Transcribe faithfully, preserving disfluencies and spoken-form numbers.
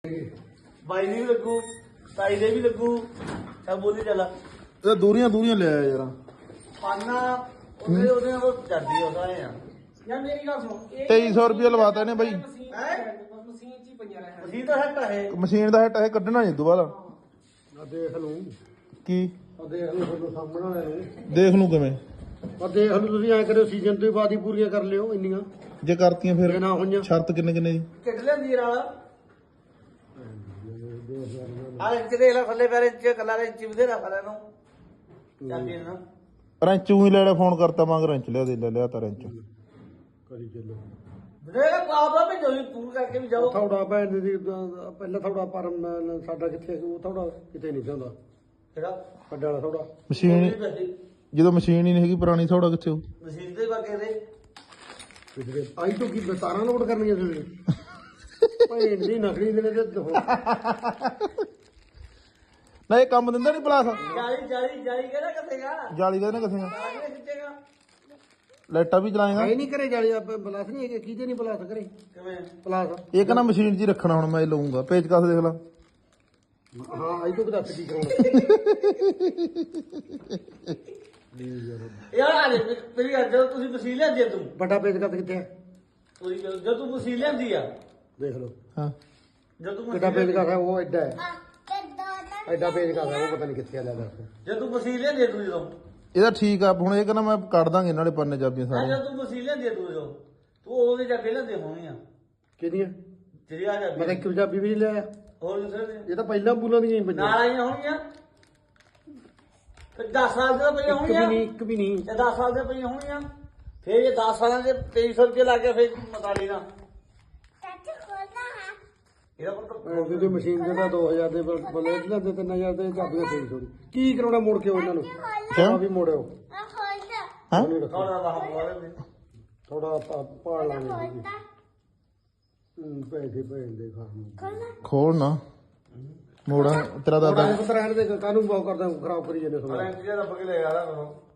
ਬਾਈ ਦੀ ਵੀ ਲੱਗੂ, ਤਾਈ ਦੇ ਵੀ ਲੱਗੂ, ਸਭ ਬੋਲੀ ਚੱਲ। ਇਹ ਦੂਰੀਆਂ ਦੂਰੀਆਂ ਲੈ ਆ ਯਾਰ। ਪਾਨਾ ਉਹਦੇ ਉਹਦੇ ਨਾਲ ਚੜਦੀ ਉਹਦਾ ਆ ਯਾਰ ਮੇਰੀ ਗੱਲ ਸੁਣ, ਇਹ ਤੇਈ ਸੌ ਰੁਪਏ ਲਵਾਤਾ ਇਹਨੇ ਬਾਈ। ਮਸ਼ੀਨ ਮਸ਼ੀਨ ਚ ਹੀ ਪਈਆਂ ਰਹਿਣ। ਮਸੀਹ ਤਾਂ ਹੱਟ ਹੈ। ਮਸ਼ੀਨ ਦਾ ਹਿੱਟ ਇਹ ਕੱਢਣਾ ਨਹੀਂ ਦੁਬਾਰਾ। ਆ ਦੇਖ ਲੂ ਕੀ ਆ ਦੇਖ ਲੂ ਤੁਹਾਨੂੰ ਸਾਹਮਣੇ ਆਏ ਦੇਖ ਲੂ ਕਿਵੇਂ? ਆ ਦੇਖ ਲੂ ਤੁਸੀਂ ਐ ਕਰਿਓ ਸੀਜ਼ਨ ਤੋਂ ਬਾਅਦ ਹੀ ਪੂਰੀਆਂ ਕਰ ਲਿਓ ਇੰਨੀਆਂ ਜੇ ਕਰਤੀਆਂ ਫਿਰ ਜੇ ਨਾ ਹੋਈਆਂ ਸ਼ਰਤ ਕਿੰਨੇ ਕਿੰਨੇ ਦੀ? ਕਿੱਡ ਲੈਂਦੀ ਰਾਲਾ ਆ ਇੰਚ ਦੇਖ ਲੈ ਥੱਲੇ ਪੈਰ ਇੰਚ ਕੱਲਾ ਇੰਚ ਵੀ ਰੱਖ ਲੈ ਨੂੰ ਚੱਲਦੀ ਨਾ ਰੈਂਚ ਹੀ ਲੈ ਲਿਆ, ਫੋਨ ਕਰਤਾ ਮੰਗ ਰੈਂਚ ਲਿਆ ਦੇ ਲੈ ਲਿਆ ਤਾਂ ਰੈਂਚ। ਕਰੀ ਚੱਲੋ ਜਿਹੜਾ ਆਪਦਾ ਭੇਜੋ ਜੀ ਪੂਰ ਕਰਕੇ ਵੀ ਜਾਓ। ਥੋੜਾ ਭੈਣ ਦੀ ਅਹ ਪਹਿਲਾਂ ਥੋੜਾ ਪਰ ਮੈਂ- ਸਾਡਾ ਕਿੱਥੇ ਉਹ ਥੋੜਾ ਕਿਤੇ ਨਹੀਂ ਜਾਂਦਾ ਕਿਹੜਾ ਵੱਡਾ ਵਾਲਾ ਥੋੜਾ ਮਸ਼ੀਨ ਜਦੋਂ ਮਸ਼ੀਨ ਹੀ ਨਹੀਂ ਹੈਗੀ ਪੁਰਾਣੀ ਥੋੜਾ ਕਿੱਥੇ ਹੋ? ਮਸੀਹ ਦੇ ਬਾਗੇ ਦੇ ਪਿਛਲੇ ਆਈ ਤੋਂ ਕੀ ਤਾਰਾਂ ਲੋਡ ਕਰਨੀਆਂ ਤੁਸੀਂ ਭੈਣ ਦੀ ਨਕਲੀ ਦੇ ਨੇ ਤੇ ਨਾ ਇਹ ਕੰਮ ਦਿੰਦਾ ਨਹੀਂ ਪਲਾਸ? ਜਾਲੀ ਜਾਲੀ ਜਾਲੀ ਕਿਹੜਾ ਕੱਟੇਗਾ ਜਾਲੀ ਦਾ ਨਾ ਕਿੱਥੇ ਆਗੇ ਖਿੱਚੇਗਾ ਲਾਈਟਾਂ ਵੀ ਚਲਾਏਗਾ? ਆਏ ਨਹੀਂ ਕਰੇ ਜਾਲੀ ਆਪਾਂ ਬਲਾਸ ਨਹੀਂ ਹੈਗੇ ਕਿਹਦੇ ਨਹੀਂ ਬਲਾਸ ਕਰੇ ਕਿਵੇਂ ਪਲਾਸ ਇਹ ਕਹਿੰਦਾ ਮਸ਼ੀਨ 'ਚ ਹੀ ਰੱਖਣਾ ਹੁਣ ਮੈਂ ਇਹ ਲਊਂਗਾ। ਪੇਚਕਸ ਦੇਖ ਲਾ। ਹਾਂ ਆਈ ਤੋਂ ਦੱਸ ਕੀ ਕਰਾਉਣਾ ਯਾਰ ਆ ਲੈ ਮੇਰੀ ਗੱਲ ਜਦੋਂ ਤੁਸੀਂ ਮਸੀਹ ਲਿਆਂਦੀ ਆ ਤੂੰ ਵੱਡਾ ਪੇਜ ਕੱਤ ਕਿੱਥੇ ਹੈ ਤੁਸੀਂ ਜਦੋਂ ਤੂੰ ਮਸੀਹ ਲਿਆਂਦੀ ਆ ਦੇਖ ਲਓ ਹਾਂ ਜਦੋਂ ਤੂੰ ਵੱਡਾ ਮਸੀਹ ਪੇਜ ਕੱਤ ਹੈ ਉਹ ਐਡਾ ਹੈ ਐਡਾ ਪੇਜ ਕੱਤ ਹੈ ਉਹ ਪਤਾ ਨਹੀਂ ਕਿੱਥੇ ਆ ਲੈ ਦੱਸ ਜਦੋਂ ਤੂੰ ਮਸੀਹ ਲਿਆਂਦੀ ਆ ਤੂੰ ਜਦੋਂ ਇਹਦਾ ਠੀਕ ਆ। ਹੁਣ ਇਹ ਕਹਿੰਦਾ ਮੈਂ ਕੱਢ ਦਾਂਗੇ ਨਾਲੇ ਪੰਨੇ ਚਾਬੀਆਂ ਆ ਸਾਰੀਆਂ। ਜਦੋਂ ਤੂੰ ਮਸੀਹ ਲਿਆਂਦੀ ਆ ਤੂੰ ਜਦੋਂ ਤੂੰ ਉਹਦੇ ਜਾ ਕੇ ਲਿਆਂਦੇ ਹੋਣੀਆਂ ਕਿਹਦੀਆਂ ਜਿਹੜੀ ਆ ਜਾ ਮੈਂ ਤਾਂ ਇੱਕ ਪੰਜਾਬੀ ਵੀ ਨਹੀਂ ਲਿਆ ਹੋਰ ਦੂਸਰੇ ਇਹ ਤਾਂ ਪਹਿਲਾਂ ਬੁਲਾਂ ਦੀਆਂ ਹੀ ਨਾਲ ਪੰਜਾਂ ਆਈਆਂ ਹੋਣਗੀਆਂ ਫਿਰ ਦਸ ਸਾਲ ਦੇ ਪਈਆਂ ਇੱਕ ਵੀ ਹੋਣਗੀਆਂ ਨਹੀਂ ਇੱਕ ਵੀ ਨਹੀਂ ਇਹ ਦਸ ਸਾਲ ਦੇ ਪਈਆਂ ਹੋਣਗੀਆਂ ਫਿਰ ਇਹ ਦਸ ਸਾਲਾਂ ਦੇ ਤੇਈ ਸੌ ਰੁਪਏ ਲੱਗ ਗਿਆ ਫਿਰ ਮਤਾਲੀ ਨਾਲ ਇਹਦਾ ਮਤਲਬ ਉਹਦੀ ਮਸ਼ੀਨ ਜਿਹੜਾ ਦੋ ਹਜ਼ਾਰ ਦੇ ਬਲੇਡ ਲੈਂਦੇ ਤਿੰਨ ਹਜ਼ਾਰ ਦੇ ਚਾਬੀਆਂ ਤੇਈ ਸੌ ਦੀ ਕੀ ਕਰਾਉਣਾ ਮੁੜ ਕੇ ਉਹਨਾਂ ਨੂੰ ਆ ਵੀ ਮੋੜਿਓ ਹਾਂ ਥੋੜਾ ਬਾਹਰ ਬੋਲੇ ਥੋੜਾ ਪਾੜ ਲਾਂਗੇ ਹੂੰ ਪੈਸੇ ਭੈਣ ਦੇ ਖਾਣ ਖੋਲ ਨਾ ਮੋੜਾ ਤੇਰਾ ਦਾਦਾ ਥੋੜਾ ਪਤਾ ਰਹਿਣ ਦੇ ਕਾਨੂੰ ਬਾਉ ਕਰਦਾ ਖਰਾਬ ਕਰੀ ਜਾਂਦੇ ਸਮਾਂ ਰੈਂਟ ਜਿਹੜਾ ਰੱਬ ਕੇ ਲੈ ਆ ਰਹਾ